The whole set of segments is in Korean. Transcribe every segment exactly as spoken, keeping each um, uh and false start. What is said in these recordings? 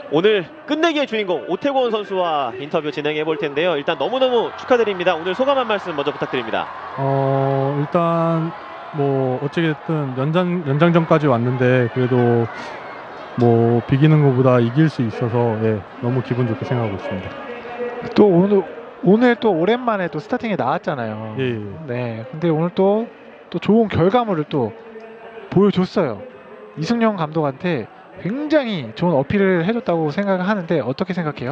오늘 끝내기의 주인공 오태곤 선수와 인터뷰 진행해 볼 텐데요. 일단 너무너무 축하드립니다. 오늘 소감 한 말씀 먼저 부탁드립니다. 어 일단 뭐 어찌됐든 연장 연장전까지 왔는데 그래도 뭐 비기는 것보다 이길 수 있어서 예, 너무 기분 좋게 생각하고 있습니다. 또 오늘 오늘 또 오랜만에 또 스타팅에 나왔잖아요. 예, 예. 네. 근데 오늘 또 또 좋은 결과물을 또 보여줬어요. 이승용 감독한테 굉장히 좋은 어필을 해줬다고 생각을 하는데 어떻게 생각해요?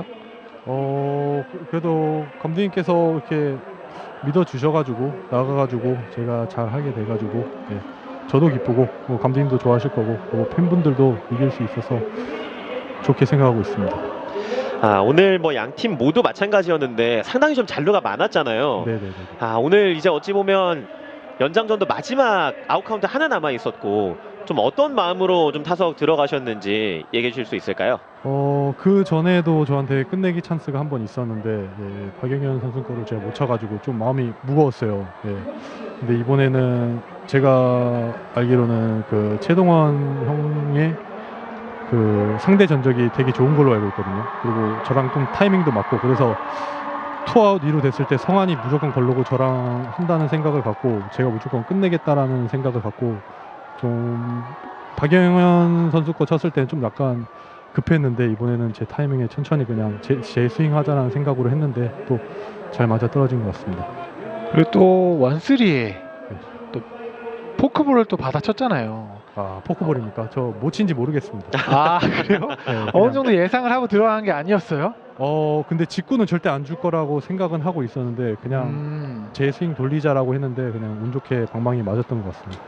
어 그- 그래도 감독님께서 이렇게 믿어 주셔가지고 나가가지고 제가 잘 하게 돼가지고 예, 저도 기쁘고 뭐 감독님도 좋아하실 거고 뭐 팬분들도 이길 수 있어서 좋게 생각하고 있습니다. 아, 오늘 뭐 양 팀 모두 마찬가지였는데 상당히 좀 잔류가 많았잖아요. 네네네. 아, 오늘 이제 어찌 보면 연장전도 마지막 아웃카운트 하나 남아 있었고 좀 어떤 마음으로 좀 타석 들어가셨는지 얘기해 주실 수 있을까요? 어, 그 전에도 저한테 끝내기 찬스가 한 번 있었는데 예, 박영현 선수 거를 제가 못 차가지고 좀 마음이 무거웠어요. 예. 근데 이번에는 제가 알기로는 그 최동원 형의 그 상대 전적이 되게 좋은 걸로 알고 있거든요. 그리고 저랑 좀 타이밍도 맞고 그래서 투아웃 이루 됐을 때 성환이 무조건 걸르고 저랑 한다는 생각을 갖고 제가 무조건 끝내겠다라는 생각을 갖고 좀 박영현 선수 거 쳤을 때는 좀 약간 급했는데 이번에는 제 타이밍에 천천히 그냥 제, 제 스윙 하자라는 생각으로 했는데 또 잘 맞아 떨어진 것 같습니다. 그리고 또 원쓰리에 또 포크볼을 또 받아쳤잖아요. 아 포크볼입니까? 저 못 친지 모르겠습니다. 아 그래요? 네, 그냥, 어느 정도 예상을 하고 들어간 게 아니었어요? 어 근데 직구는 절대 안 줄 거라고 생각은 하고 있었는데 그냥 음. 제 스윙 돌리자라고 했는데 그냥 운 좋게 방망이 맞았던 것 같습니다.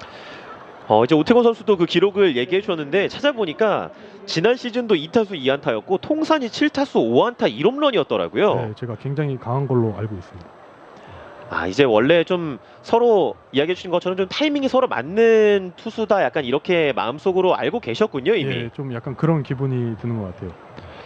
어, 이제 오태곤 선수도 그 기록을 얘기해 주셨는데 찾아보니까 지난 시즌도 이 타수 이 안타였고 통산이 칠 타수 오 안타 일 홈런이었더라고요. 네, 제가 굉장히 강한 걸로 알고 있습니다. 아, 이제 원래 좀 서로 이야기해 주신 것처럼 좀 타이밍이 서로 맞는 투수다 약간 이렇게 마음속으로 알고 계셨군요, 이미. 예, 좀 약간 그런 기분이 드는 것 같아요.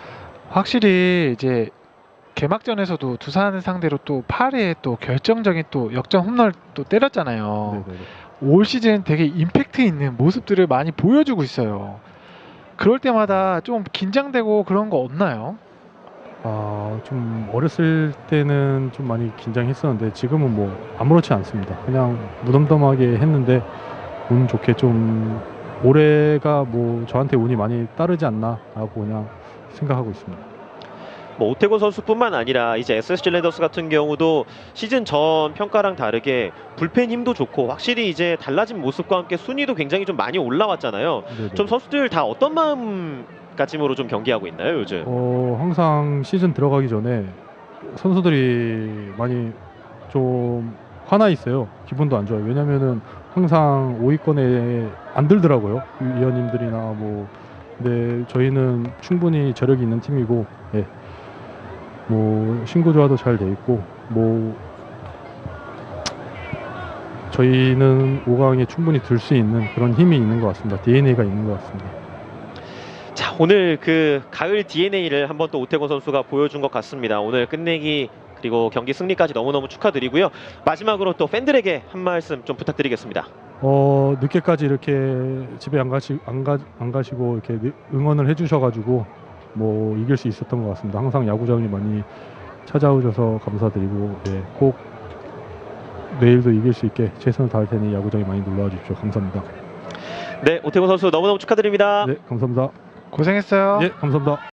확실히 이제 개막전에서도 두산을 상대로 또 팔 회에 또 결정적인 또 역전 홈런을 또 때렸잖아요. 네네네. 올 시즌 되게 임팩트 있는 모습들을 많이 보여주고 있어요. 그럴 때마다 좀 긴장되고 그런 거 없나요? 아, 좀 어렸을 때는 좀 많이 긴장했었는데 지금은 뭐 아무렇지 않습니다. 그냥 무덤덤하게 했는데 운 좋게 좀 올해가 뭐 저한테 운이 많이 따르지 않나라고 그냥 생각하고 있습니다. 뭐 오태곤 선수뿐만 아니라 이제 에스에스지 레더스 같은 경우도 시즌 전 평가랑 다르게 불펜 힘도 좋고 확실히 이제 달라진 모습과 함께 순위도 굉장히 좀 많이 올라왔잖아요. 네네. 좀 선수들 다 어떤 마음가짐으로 좀 경기하고 있나요, 요즘? 어, 항상 시즌 들어가기 전에 선수들이 많이 좀 화나 있어요. 기분도 안 좋아요. 왜냐면은 항상 오 위권에 안 들더라고요. 위원님들이나 뭐. 근데 저희는 충분히 저력이 있는 팀이고, 예. 뭐 신구 조화도 잘 돼 있고, 뭐 저희는 오 강에 충분히 들 수 있는 그런 힘이 있는 것 같습니다. 디엔에이가 있는 것 같습니다. 자, 오늘 그 가을 디엔에이를 한번 또 오태곤 선수가 보여준 것 같습니다. 오늘 끝내기 그리고 경기 승리까지 너무너무 축하드리고요. 마지막으로 또 팬들에게 한 말씀 좀 부탁드리겠습니다. 어 늦게까지 이렇게 집에 안 가시 안 가 안 가시고 이렇게 느- 응원을 해주셔가지고 뭐 이길 수 있었던 것 같습니다. 항상 야구장이 많이 찾아오셔서 감사드리고 예, 꼭 내일도 이길 수 있게 최선을 다할 테니 야구장에 많이 놀러와 주십시오. 감사합니다. 네, 오태곤 선수 너무너무 축하드립니다. 네, 감사합니다. 고생했어요. 예, 감사합니다.